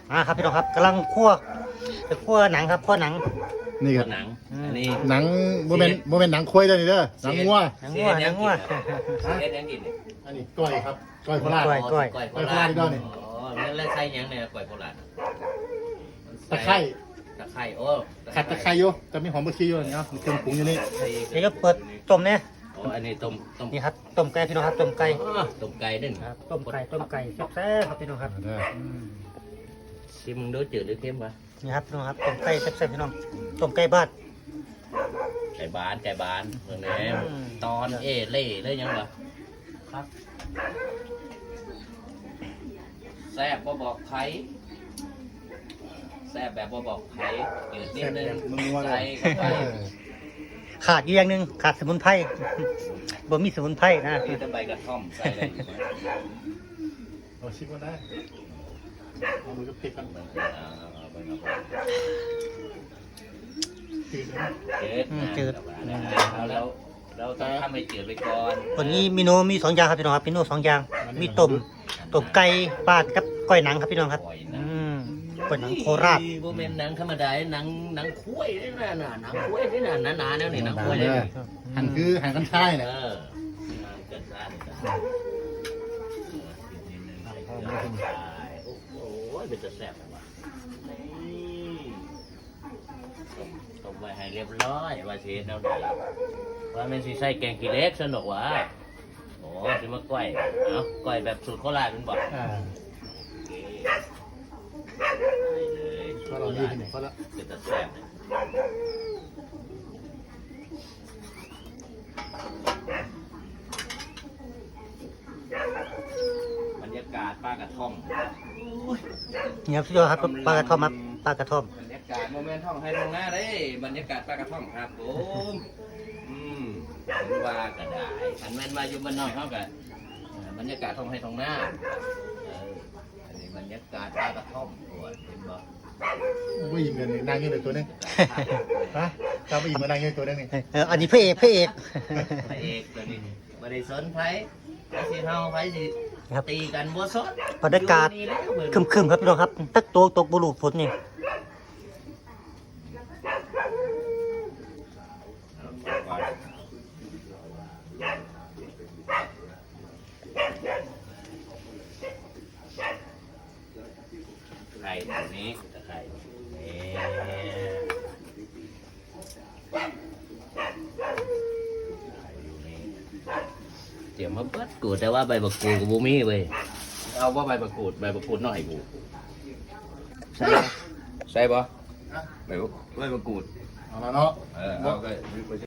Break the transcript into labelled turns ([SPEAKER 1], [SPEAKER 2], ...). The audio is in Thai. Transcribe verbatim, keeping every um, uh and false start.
[SPEAKER 1] อ่าครับพี่น้องครับกำลังคั่วจะคั่วหนังครับคั่วหนัง
[SPEAKER 2] นี่ครับ
[SPEAKER 3] หนังอันนี้
[SPEAKER 2] หนังโมเมนต์โมเมนต์หนังควายเด้อนี่เด้อหนังงัว
[SPEAKER 1] หนังงัวหนังงัว
[SPEAKER 3] เฮ็ดยังกินเนี่ย
[SPEAKER 2] อันนี้ก้อยครับก้อยโคราช
[SPEAKER 1] ก้อย
[SPEAKER 3] ก้อยโค
[SPEAKER 2] ก้อยโค
[SPEAKER 3] รา
[SPEAKER 2] รา
[SPEAKER 3] ช
[SPEAKER 2] ชนี่ก็นี่
[SPEAKER 3] อ๋อแล้วใส่ยังเนี่ยก้อยโคราช
[SPEAKER 2] ตะไคร้
[SPEAKER 3] ตะไคร้โอ้
[SPEAKER 2] ขัดตะไคร้อยู่แต่มีหอมบะชีอยู่นี่เนาะมีเครื่องปรุงอยู่นี่
[SPEAKER 1] นี่ก็เปิดต้มเนี่ย
[SPEAKER 3] โอ้อันนี้ต้มต้ม
[SPEAKER 1] นี่ครับต้มไก่พี่น้องครับต้มไก่
[SPEAKER 3] อ๋อต้มไก่ด้วย
[SPEAKER 1] ครับต้มไก่ต้มไก่แซ่บๆครับพี่น้องครับ
[SPEAKER 2] เด้อ
[SPEAKER 1] อืม
[SPEAKER 3] ชิมมึงดูจืดหรือเค็มวะ
[SPEAKER 1] นี่ครับพี่น้องครับต้มไก่แซ่บๆพี่น้องต้มไก่บ้าน
[SPEAKER 3] ไก่บานไก่บานเมืองนี้
[SPEAKER 1] อืม
[SPEAKER 3] ตอนเอเล่เลยยังวะครับแซ่บบ่บอกไผแซ่บแบบบ่บอกไผจืดนิด
[SPEAKER 2] แซ่บ
[SPEAKER 3] นึ
[SPEAKER 2] แบ
[SPEAKER 3] ง
[SPEAKER 2] บนัวๆเล
[SPEAKER 3] ใส่
[SPEAKER 2] ย
[SPEAKER 3] เข้าไป
[SPEAKER 1] ขาดอีกอย่างหนึ่งขาดสมุนไพรบ่มีสมุนไพรนะ
[SPEAKER 3] มีแต่ใบกระท่อมใส่อะไรอยู่ไหม
[SPEAKER 2] เราชิมกันได้เอามือก็พลิกกัน
[SPEAKER 3] มันอ่าเอาไปเอาไป
[SPEAKER 2] จืดนะ
[SPEAKER 3] จืด
[SPEAKER 1] อืม
[SPEAKER 3] นะ
[SPEAKER 1] จืด
[SPEAKER 3] เอาแล้วเราต้องทำให้จืดไปก่อน
[SPEAKER 1] วันนี้เมนูมีสองอย่างครับพี่น้องครับเมนูสองอย่างมีต้มต้มไก่บ้านกับก้อยหนังครับพี่น้องครับ
[SPEAKER 3] ปล่อย
[SPEAKER 1] อื
[SPEAKER 3] นะ
[SPEAKER 1] มก้อยหนังโคราช
[SPEAKER 3] โมเมนหนังธรรมดาหนังหนังคุ้ยนี่นะน่ะหนังคุ้ยนี่นะหนาๆแล้วนี่หนังคุ้ยเลย
[SPEAKER 2] เด้อหั่นคือหั่นกันช่าย
[SPEAKER 3] เอ
[SPEAKER 2] เนี่ย
[SPEAKER 3] อเกิดซ่านโอ้โหเป็นจะแซ่บว่ะนี่ต้มไว้ให้เรียบร้อยว่าสิแนวไหนว่ามันสิใส่แกงขี้เหล็กสนุกว่ะโอ้สิมาก้อยเอ้าก้อยแบบสูตรโคราชเป็นบ่
[SPEAKER 2] อ่า
[SPEAKER 3] ได้เลย
[SPEAKER 2] ก็เราดีขึ้นก็แล้ว
[SPEAKER 3] เป็นตะแซ่บเลยบรรยากาศป้ากระท่อม
[SPEAKER 1] เนี่ยพี่น้องครับปลากระท่อมครับปลากระท่อม
[SPEAKER 3] บรรยากาศโมเมนต์ท่องให้ตรงหน้าเลยบรรยากาศป้ากระท่อมครับผมอืมเห็นว่าก็ได้ขันแม่นมาอยู่บ้านนอกเขากันบรรยากาศท่องให้ตรงหน้าเอออันนี้บรรยากาศป้ากระท่อมตัวเห็นบ่
[SPEAKER 2] ว่ายิงเงินนางยืนเลยตัวนึงฮะจำไปยิงมานางยืนตัวนึงนี่
[SPEAKER 1] เอออันนี้พระเอกพระเอก
[SPEAKER 3] พระเอกตัวนี้บริสุทธิ์ไผไผสิเฮาไผสิ
[SPEAKER 1] ครับ
[SPEAKER 3] ตีกันบ่สด
[SPEAKER 1] บรรยากาศ
[SPEAKER 3] อยู่นี่แล้วเบิ่ง
[SPEAKER 1] ครึมๆครับพี่น้องครับตักโตกตกบุรุษฝนนี่
[SPEAKER 3] ไข่ตัวนี้ตะไคร้เอ๊เดี๋ยวมาเบิดกูดแต่ว่าใบบักกูดกับบูมี่เว้ยเอาว่าใบบักกูดใบบักกูดหน่อยกูใช่ใช่ปะใบบักใบบักกูด
[SPEAKER 2] เอาละเนาะ
[SPEAKER 3] เออเอาก็